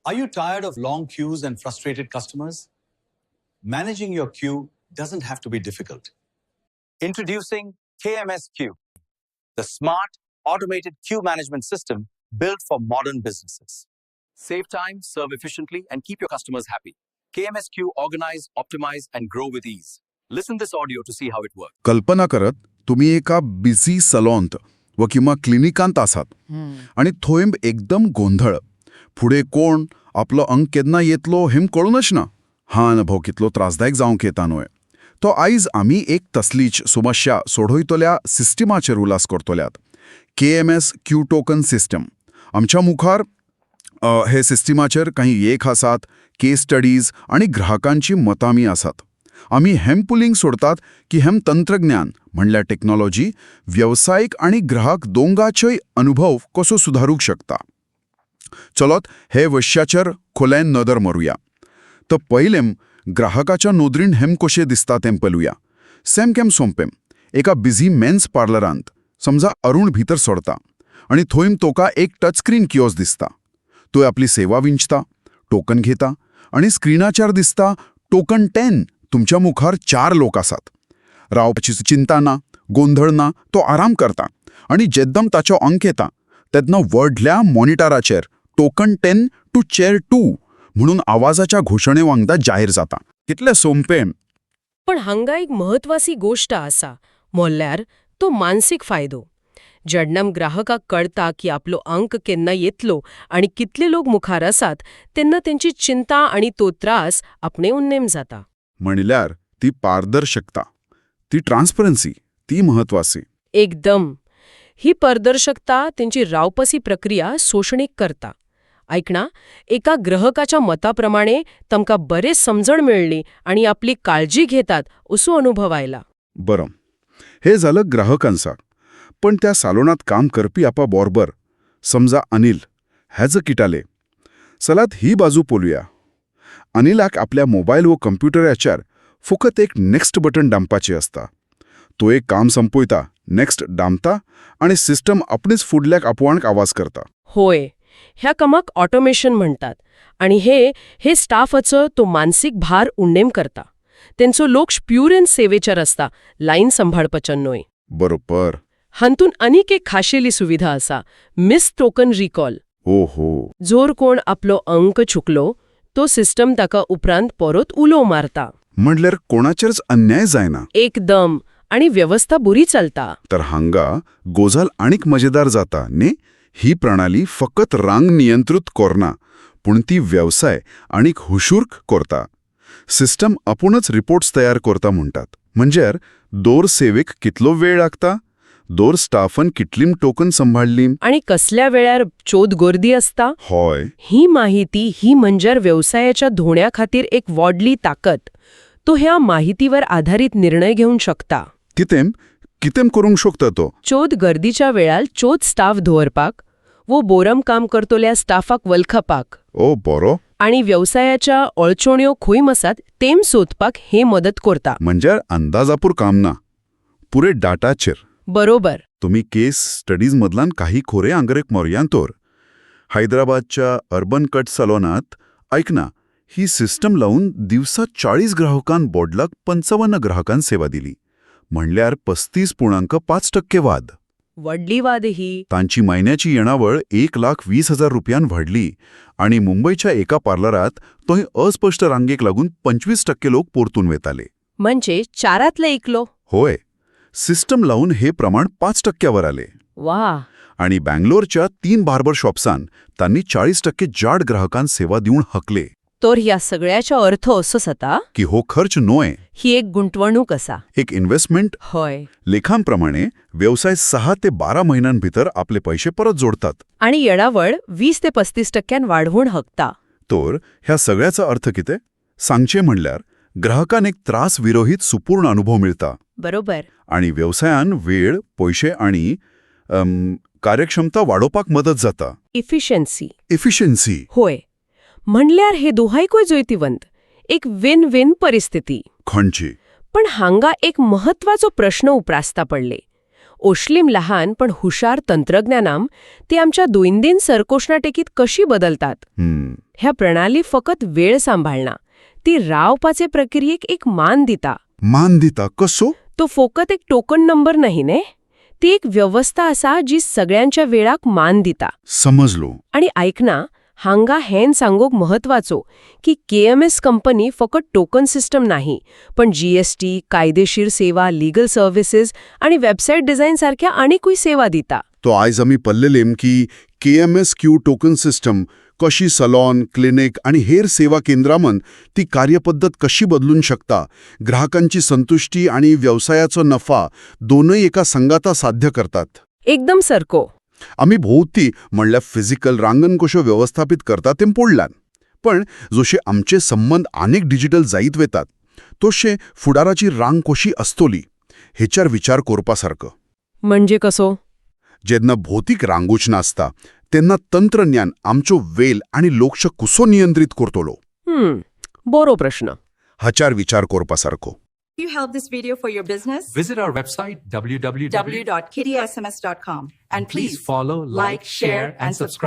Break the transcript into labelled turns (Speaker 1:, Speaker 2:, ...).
Speaker 1: Are you tired of long queues and frustrated customers? Managing your queue doesn't have to be difficult. Introducing KMS Queue, the smart, automated queue management system built for modern businesses. Save time, serve efficiently, and keep your customers happy. KMS Queue organize, optimize, and grow with ease. Listen this audio to see how it works.
Speaker 2: कल्पना करत तुम्ही एका busy सलॉन्त व किंवा क्लिनिकांत आसात आणि थोयंब एकदम गोंधळ फुडें कोण आपलो अंक केन्ना येतलो हेम कळूनच ना हा अनुभव कितलो त्रासदायक जावंक येता न्हय तो आयज आमी एक तसलीच समस्या सोडयतल्या सिस्टमाचेर उलास करतल्यात KMS क्यू टोकन सिस्टम आमच्या मुखार हे सिस्टमाचेर काही एक आसात केस स्टडीज आणि ग्राहकांची मतांमी आसात आम्ही हेम पुलिंग सोडतात की हेम तंत्रज्ञान म्हणल्यार टेक्नॉलॉजी व्यावसायिक आणि ग्राहक दोंगाचोय अनुभव कसो सुधारूंक शकता चलत हे वश्याचेर खोल्यान नदर मारूया तर पयलें ग्राहकाच्या नोदरीन हेम कशें दिसता तें पळोवया सेमकेम सोंपें एका बिझी मेन्स पार्लरांत समजा अरुण भितर सरता आणि थंय तोका एक टचस्क्रीन किओस्क दिसता तो आपली सेवा विंचता टोकन घेता आणि स्क्रीनाचेर दिसता टोकन 10 तुमच्या मुखार 4 लोक आसात रावपाची चिंता ना गोंधळ ना तो आराम करता आणि जेद्दम ताचो अंक येता तेन्ना व्हडल्या मॉनिटराचेर टोकन 10 टू चेअर 2 म्हणून आवाजाच्या घोषणे वांगडा जाहीर जाता कितले सोंपें
Speaker 3: पण हांगा एक महत्वाची गोष्ट आसा म्हणल्यार तो मानसीक फायदो जेन्ना ग्राहकाक कळटा की आपलो अंक केन्ना येतलो आणि कितले लोक मुखार आसात तेन्ना तेंची चिंता आणि तो त्रास आपणे उन्नेम जाता
Speaker 2: म्हणल्यार ती पारदर्शकता ती ट्रान्सपरन्सी ती महत्वाची
Speaker 3: एकदम ही पारदर्शकता तेंची रावपासी प्रक्रिया सोशणीक करता ऐकणा एका ग्राहकाच्या मताप्रमाणे तमकां बरे समजण मेळ्ळी आणि आपली काळजी घेतात असो अनुभव आयला
Speaker 2: बरं हे झालं ग्राहकांचा पण त्या सालोनात काम करपी आपा बरोबर समजा अनिल हेज किटाले चलात ही बाजू पळोवया अनिलाक आपल्या मोबायल व कंप्युटराचेर फकत एक नेक्स्ट बटन दामपाचें आसता तो एक काम संपयता नेक्स्ट दामता आणि सिस्टम आपणीच फुडल्याक आपोवणक आवाज करता
Speaker 3: होय ह्या कामाक ऑटोमेशन म्हणतात आणि हे स्टाफाचो तो मानसीक भार उण्णेम करता तेंचो लोक्ष प्युर एंड सेवेचेर आसता लायन सांभाळपाचें न्हय
Speaker 2: बरोबर
Speaker 3: हातून आनीक एक खाशेली सुविधा आसा मिस टोकन रिकॉल
Speaker 2: ओहो
Speaker 3: जोर कोण आपलो अंक चुकलो तो सिस्टम ताका उपरांत परत उलो मारता
Speaker 2: म्हणल्यार कोणाचेरच अन्याय जायना
Speaker 3: एकदम आणि व्यवस्था बरी चलता
Speaker 2: तर हांगा गोजाल आनीक मजेदार जाता ने ही प्रणाली फकत रांग नियंत्रित करना पूण ती व्यवसाय आनीक हुशूर्क करता सिस्टम आपुणच रिपोर्ट्स तयार करता म्हणटात म्हणजे दोर सेवेक कितलो वेळ लागता दोर स्टाफन कितलीम टोकन सांभाळली
Speaker 3: आणि कसल्या वेळार चोद गर्दी असता
Speaker 2: होय
Speaker 3: ही माहिती ही म्हणजे व्यवसायाच्या धोण्या खातीर एक व्हडली ताकद तो ह्या माहितीवर आधारित निर्णय घेऊन शकता
Speaker 2: कितें करूंक शकता तो
Speaker 3: चोद गर्दीच्या वेळार चोद स्टाफ दवरपाक वो बोरम काम करतोल्या स्टाफाक वलखपाक
Speaker 2: ओ बरो
Speaker 3: आणि व्यवसायाच्या अडचण्यो खंय आसात तेम सोदपाक हे मदत करता
Speaker 2: म्हणजे अंदाजापूर काम ना पुरे डाटाचेर
Speaker 3: बरोबर
Speaker 2: तुम्ही केस स्टडीज मधल्यान काही खोरे आंगरेक मोरयांतोर हैदराबादच्या अर्बन कट सलोनात ऐकना ही सिस्टम लावून दिवसा 40 ग्राहकांक बोडलाक 55 ग्राहकांक सेवा दिली म्हणल्यार 35.5% वाद
Speaker 3: वडली वाद ही
Speaker 2: तांची महिन्याची येणावळ 1,20,000 रुपयान वाढली आणि मुंबईच्या एका पार्लरात तोय अस्पष्ट रांगेक लागून 25% लोक परतून वेताले
Speaker 3: म्हणजे 4तले एकलो
Speaker 2: होय सिस्टम लावून हे प्रमाण 5% आले
Speaker 3: वा
Speaker 2: आणि बँगलोरच्या 3 बार्बर शॉप्सान त्यांनी 40% जाड ग्राहकांक सेवा दिवन हकले
Speaker 3: तर ह्या सगळ्याचा अर्थ असो जाता
Speaker 2: की हो खर्च नोय
Speaker 3: ही एक गुंतवणूक असा
Speaker 2: एक इन्व्हेस्टमेंट
Speaker 3: होय
Speaker 2: लेखांप्रमाणे व्यवसाय 6 ते 12 महिन्यांभितर आपले पैसे परत जोडतात
Speaker 3: आणि येणावळ 20 ते 35% वाढवून हकता
Speaker 2: तर ह्या सगळ्याचा अर्थ किते सांगचे म्हणल्यार ग्राहकान एक त्रास विरहित सुपूर्ण अनुभव मिळता
Speaker 3: बरोबर
Speaker 2: आणि व्यवसायान वेळ पैसे आणि कार्यक्षमता वाढोवपाक मदत जाता इफिशियन्सी
Speaker 3: होय म्हणल्यार हे दोहायकूय जोयतीवंत एक विन विन परिस्थिती
Speaker 2: खंयची
Speaker 3: पण हांगा एक महत्वाचो प्रश्न उप्रासता पडले ओश्लीम लहान पण हुशार तंत्रज्ञानाम ती आमच्या दैनंदिन सरकोशनाटेकीत कशी बदलतात ह्या प्रणाली फकत वेळ सांभाळना ती रावपाचे प्रक्रियेक एक मान दिता
Speaker 2: मान दिता कसो
Speaker 3: तो फकत एक टोकन नंबर नाही ने ती एक व्यवस्था असा जी सगळ्यांच्या वेळाक मान दिता
Speaker 2: समजलो
Speaker 3: आणि ऐकना हांगा हेन सांगोक महत्वाचो की KMS कंपनी फकत टोकन सिस्टम नाही पण GST कायदेशीर सेवा लीगल सर्व्हिसेस आणि वेबसाईट डिझाईन सारख्या अनेकूय सेवा दिता
Speaker 2: तो आयज आमी पल्लेलेम की KMSQ टोकन सिस्टम कशी सलॉन क्लिनिक आणि हेर सेवा केंद्रामन ती कार्यपद्धत कशी बदलून शकता ग्राहकांची संतुष्टी आणि व्यवसायाचो नफा दोनही एका संगाता साध्य करतात
Speaker 3: एकदम सरको
Speaker 2: आम्ही भोवती म्हणल्या फिजिकल रांगण कशो व्यवस्थापित करता तें पडल्यान पण जशे आमचे संबंध अनेक डिजिटल जायत वेतात तशे फुडाराची रांग कशी आसतली हेच्यार विचार करपासारको
Speaker 3: म्हणजे कसो
Speaker 2: जेन्ना भौतीक रांगूच नासता तेन्ना तंत्रज्ञान आमचो वेल आणि लोकश कसो नियंत्रित करतलो
Speaker 3: बरो प्रश्न
Speaker 2: हाच्यार विचार करपासारको
Speaker 4: If you help this video for your business,
Speaker 5: Visit our website www.kittysms.com
Speaker 4: www.kittysms.com and
Speaker 5: Please follow, like, share, and subscribe.